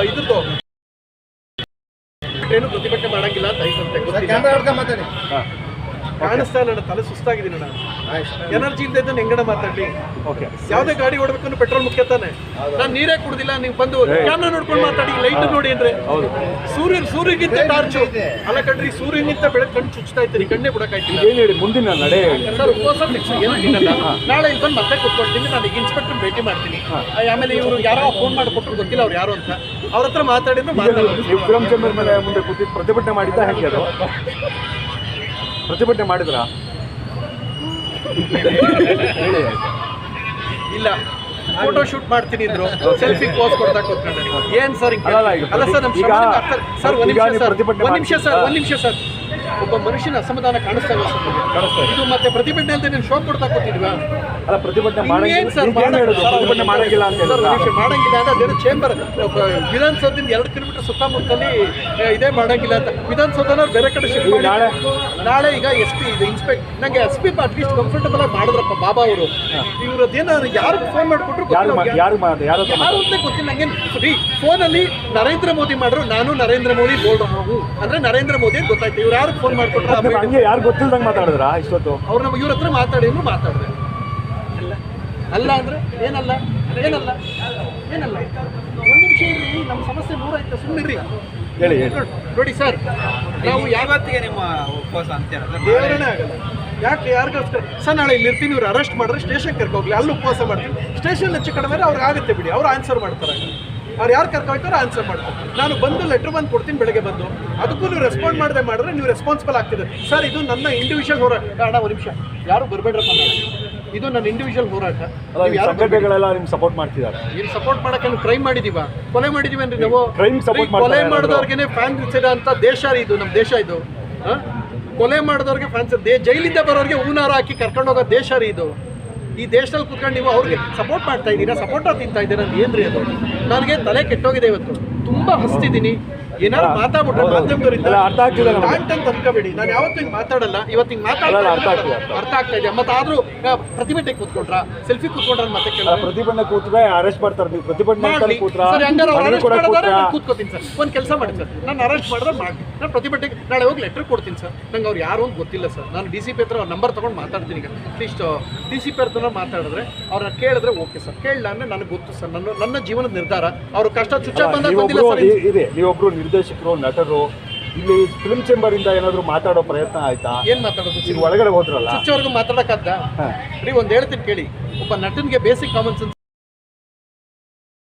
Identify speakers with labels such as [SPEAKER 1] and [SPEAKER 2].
[SPEAKER 1] ಇದ್ರದ್ದು ಏನು ಪ್ರತಿಭಟನೆ ಮಾಡಂಗಿಲ್ಲ ಅಂತ ಐತಂತೆ. ಕಾಣಿಸ್ತಾ ಇಲ್ಲ, ನನ್ನ ತಲೆ ಸುಸ್ತಾಗಿದ್ದೀನಿ ನಾನು. ಎನರ್ಜಿ ಇಲ್ಲದೆ ಇದ್ದ ಹೆಂಗಡ ಮಾತಾಡ್ಲಿ. ಯಾವ್ದೇ ಗಾಡಿ ಓಡಬೇಕು ಪೆಟ್ರೋಲ್ ಮುಖ್ಯ ತಾನೆ. ನಾನು ನೀರೇ ಕುಡ್ದಿಲ್ಲ, ನೀವು ಬಂದು ಕ್ಯಾಮ್ರಾ ನೋಡ್ಕೊಂಡು ಮಾತಾಡಿ, ಲೈಟ್ ನೋಡಿ ಅಂದ್ರೆ ಸೂರ್ಯಗಿಂತ ಟಾರ್ಚು ಅಲ್ಲ ಕಣ್ರಿ, ಸೂರ್ಯನಿಂತ ಬೆಳಗ್ಗೆ ಕಣ್ಣು ಚುಚ್ತಾ ಇದ್ದೀನಿ, ಕಣ್ಣೇ ಬಿಡಕ್ಕಾಯ್ತಿಲ್ಲ.
[SPEAKER 2] ಮುಂದಿನ ನಡೆ
[SPEAKER 1] ಸರ್ ಉಪವಾಸ ಫಿಕ್ಸ್ ಏನಿಲ್ಲ. ನಾಳೆ ಇಲ್ಲಿ ಬಂದು ಮತ್ತೆ ಕೂತ್ಕೊಳ್ತೀನಿ, ನಾನು ಈಗ ಇನ್ಸ್ಪೆಕ್ಟರ್ ಭೇಟಿ ಮಾಡ್ತೀನಿ. ಆಮೇಲೆ ಇವರು ಯಾರೋ ಫೋನ್ ಮಾಡಿಕೊಟ್ರು, ಗೊತ್ತಿಲ್ಲ ಅವ್ರು ಯಾರು ಅಂತ, ಅವ್ರ ಹತ್ರ ಮಾತಾಡಿದ್ರು.
[SPEAKER 2] ಫಿಲಂ ಚೇಂಬರ್ ಮೇಲೆ ಮುಂದೆ ಕೂತಿ ಪ್ರತಿಭಟನೆ ಮಾಡಿದ್ದ ಹೆಂಗೆ? ಅದು ಪ್ರತಿಭಟನೆ ಮಾಡಿದ್ರ?
[SPEAKER 1] ಇಲ್ಲ, ಫೋಟೋ ಶೂಟ್ ಮಾಡ್ತೀನಿ ಇದ್ರು, ಸೆಲ್ಫಿ ಪೋಸ್ ಕೊಡ್ತಾ ಕೂತ್ಕೊಂಡೆ. ಏನ್ ಸರ್ ಅಲ್ಲ ಸರ್, ನಮ್ಮ ಸರ್ ಒಂದ್ ನಿಮಿಷ ಸರ್, ಒಬ್ಬ ಮನುಷ್ಯನ ಅಸಮಾಧಾನ ಕಾಣಿಸ್ತಾ ಇಲ್ಲ ಸರ್. ಇದು ಮತ್ತೆ ಪ್ರತಿಭಟನೆ ಅಂತ ನೀವು ಶೋ ಕೊಡ್ತಾ ಕೂತಿದ್ವಾ?
[SPEAKER 2] ಅಲ್ಲ, ಪ್ರತಿಭಟನೆ ಮಾಡಂಗಿಲ್ಲ
[SPEAKER 1] ಅಂತ ಮಾಡಂಗಿಲ್ಲ ಅಂದ್ರೆ ಅದೇನು ಚೇಂಬರ್ ವಿಧಾನಸೌಧದಿಂದ 2 ಕಿಲೋಮೀಟರ್ ಸುತ್ತಮುತ್ತಲಿ ಇದೇ ಮಾಡಂಗಿಲ್ಲ ಅಂತ ವಿಧಾನಸೌಧನವ್ರು ಬೇರೆ ಕಡೆ ಶಿಫ್ಟ್ ಮಾಡಿ ನಾಳೆ ಈಗ SP ಇದು ಇನ್ಸ್ಪೆಕ್ಟ್ ನಂಗೆ SP ಅಟ್ಲೀಸ್ಟ್ ಕಂಫರ್ಟಬಲ್ ಆಗಿ ಮಾಡಿದ್ರಪ್ಪ ಬಾಬಾ ಅವರು. ಇವ್ರದ್ದೇನೋ ಯಾರು ಫೋನ್ ಮಾಡಿಕೊಟ್ರು ಯಾರು ಅಂತ ಗೊತ್ತಿಲ್ಲ ನಂಗೆ. ಫೋನಲ್ಲಿ ನರೇಂದ್ರ ಮೋದಿ ಮಾಡ್ರು, ನಾನು ನರೇಂದ್ರ ಮೋದಿ ಬೋಲ್ಡ್ರು ಅಂದ್ರೆ ನರೇಂದ್ರ ಮೋದಿ ಅಂತ ಗೊತ್ತಾಯ್ತು. ಇವ್ರು ಯಾರು ಫೋನ್ ಮಾಡ್ಕೊಟ್ರು?
[SPEAKER 2] ಯಾರು ಗೊತ್ತಿಲ್ದಂಗೆ ಮಾತಾಡಿದ್ರ ಇಷ್ಟೊತ್ತು?
[SPEAKER 1] ಅವ್ರು ನಮ್ಮ ಇವ್ರ ಹತ್ರ ಮಾತಾಡಿದ್ರು ಮಾತಾಡಿದ್ರೆ ಅಲ್ಲ ಅಂದ್ರೆ ಏನಲ್ಲ ಏನಲ್ಲ ಏನಲ್ಲ. ಒಂದು ನಿಮಿಷ ಇರ್ರಿ, ನಮ್ಮ ಸಮಸ್ಯೆ ದೂರ ಆಯ್ತು, ಸುಮ್ಮನಿರ್ರಿ.
[SPEAKER 2] ಹೇಳಿ
[SPEAKER 1] ನೋಡಿ ಸರ್, ನಾವು
[SPEAKER 3] ಯಾವತ್ತಿಗೆ ನಿಮ್ಮ ಉಪವಾಸ ಅಂತ್ಯ
[SPEAKER 1] ದೇವರೇ ಆಗಲ್ಲ. ಯಾಕೆ ಯಾರಿಗೋಸ್ಕರ ಸರ್? ನಾಳೆ ಇಲ್ಲಿ ಇರ್ತೀನಿ, ಇವ್ರು ಅರೆಸ್ಟ್ ಮಾಡಿದ್ರೆ ಸ್ಟೇಷನ್ ಕರ್ಕೋಗ್ಲಿ, ಅಲ್ಲಿ ಉಪವಾಸ ಮಾಡ್ತೀನಿ. ಸ್ಟೇಷನ್ ಹೆಚ್ಚು ಕಡಿಮೆ ಅವ್ರಿಗೆ ಆಗುತ್ತೆ ಬಿಡಿ, ಅವ್ರು ಆನ್ಸರ್ ಮಾಡ್ತಾರೆ. ಅವ್ರು ಯಾರು ಕರ್ಕೊಳ್ತಾರೋ ಆನ್ಸರ್ ಮಾಡ್ತಾರೆ. ನಾನು ಬಂದು ಲೆಟ್ರ್ ಬಂದು ಕೊಡ್ತೀನಿ ಬೆಳಗ್ಗೆ ಬಂದು, ಅದಕ್ಕೂ ನೀವು ರೆಸ್ಪಾಂಡ್ ಮಾಡದೆ ಮಾಡಿದ್ರೆ ನೀವು ರೆಸ್ಪಾನ್ಸಿಬಲ್ ಆಗ್ತಿದೆ ಸರ್. ಇದು ನನ್ನ ಇಂಡಿವಿಜುವಲ್ ಹೋರಾಟ. ಕಾರಣ ಒಂದು ನಿಮಿಷ, ಯಾರು ಬರಬೇಡ್ರಪ್ಪ, ಇದು ನನ್ನ ಇಂಡಿವಿಜುವಲ್ ಹೋರಾಟ.
[SPEAKER 2] ಸಂಘಟನೆಗಳೆಲ್ಲ ನಿಮ್ಗೆ ಸಪೋರ್ಟ್ ಮಾಡ್ತಿದ್ದಾರೆ.
[SPEAKER 1] ಏನು ಸಪೋರ್ಟ್ ಮಾಡಕ್ಕೆ ನಾವು ಕ್ರೈಮ್ ಮಾಡಿದೀವ, ಕೊಲೆ ಮಾಡಿದೀವಿ ಅಂದ್ರೆ ನಾವು ಕೊಲೆ ಮಾಡಿದವ್ರಿಗೆ ಫ್ಯಾನ್ ಅಂತ ದೇಶ ಇದು, ನಮ್ಮ ದೇಶ ಇದು. ಕೊಲೆ ಮಾಡಿದವ್ರಿಗೆ ಫ್ಯಾನ್ಸ್, ಜೈಲಿಂದ ಬರೋರಿಗೆ ಹೂನಾರ ಹಾಕಿ ಕರ್ಕೊಂಡು ಹೋಗೋ ದೇಶ ರೀ ಇದು. ಈ ದೇಶದಲ್ಲಿ ಕುತ್ಕೊಂಡು ನೀವು ಅವ್ರಿಗೆ ಸಪೋರ್ಟ್ ಮಾಡ್ತಾ ಇದ್ದೀರಾ, ಸಪೋರ್ಟ ತಿಂತಾ ಇದ್ದೀರಾ ಅಂತ ಏನ್ರಿ ಅದು? ನನಗೆ ತಲೆ ಕೆಟ್ಟೋಗಿದೆ ಇವತ್ತು, ತುಂಬಾ ಹಸ್ತಿದ್ದೀನಿ. ಏನಾದ್ರು ಮಾತಾಡ್ಬಿಟ್ರೆ ಮಾಧ್ಯಮದವರಿಂದ ಅಂತ ಅನ್ಕೋಬೇಡಿ. ನಾನು ಯಾವತ್ತೂ ಹಿಂಗೆ ಮಾತಾಡಲ್ಲ, ಇವತ್ತು ಹಿಂಗೆ ಮಾತಾಡಲ್ಲ. ಅರ್ಥ ಆಗ್ತಾ ಇದೆ. ಮತ್ತೆ ಆದ್ರೂ ಪ್ರತಿಭಟನೆ ಕೂತ್ಕೊಂಡ್ರ, ಸೆಲ್ಫಿ ಕೂತ್ಕೊಂಡ್ರ ಮತ್ತೆ
[SPEAKER 2] ಪ್ರತಿಭಟನೆ ಕೂತ್ರೆ ಅರೆಸ್ಟ್ ಮಾಡ್ತಾರೆ. ನೀವು ಪ್ರತಿಭಟನೆ
[SPEAKER 1] ಕೂತ್ಕೋತೀನಿ ಸರ್. ಒಂದು ಕೆಲಸ ಮಾಡಿ ಸರ್, ನಾನು ಅರೆಸ್ಟ್ ಮಾಡಿದ್ರೆ ಮಾಡಿ, ನಾನು ಪ್ರತಿಭಟನೆಗೆ ನಾಳೆ ಹೋಗಿ ಲೆಟರ್ ಕೊಡ್ತೀನಿ ಸರ್. ನಂಗೆ ಅವ್ರು ಯಾರು ಅಂತ ಗೊತ್ತಿಲ್ಲ ಸರ್. ನಾನು DCP ಹತ್ರ ಅವ್ರ ನಂಬರ್ ತೊಗೊಂಡು ಮಾತಾಡ್ತೀನಿ. ಈಗ ಅಟ್ಲೀಸ್ಟ್ DCP ಹತ್ರ ಮಾತಾಡಿದ್ರೆ ಅವ್ರನ್ನ ಕೇಳಿದ್ರೆ ಓಕೆ ಸರ್, ಕೇಳಲ್ಲ ಅಂದ್ರೆ ನನಗೆ ಗೊತ್ತು ಸರ್, ನನ್ನ ಜೀವನದ ನಿರ್ಧಾರ. ಅವ್ರ ಕಷ್ಟ ಚುಚ್ಚ ಬಂದಾಗ ಬಂದಿಲ್ಲ ಸರ್.
[SPEAKER 2] ನೀವೊಬ್ರು ನಿರ್ದೇಶಕರು, ನಟರು, ಇಲ್ಲಿ ಫಿಲ್ಮ್ ಚೇಂಬರ್ ಇಂದ ಏನಾದ್ರು ಮಾತಾಡೋ ಪ್ರಯತ್ನ ಆಯ್ತಾ?
[SPEAKER 1] ಏನ್ ಮಾತಾಡೋದು?
[SPEAKER 2] ಒಳಗಡೆ ಹೋದ್ರಲ್ಲ,
[SPEAKER 1] ಚುಚ್ಚವರೆಗೂ ಮಾತಾಡಕ್ಕಾಗ್ದ? ಒಂದ್ ಹೇಳ್ತೀನಿ ಕೇಳಿ, ಒಬ್ಬ ನಟನ್ಗೆ ಬೇಸಿಕ್ ಕಾಮನ್ ಸೆನ್ಸ್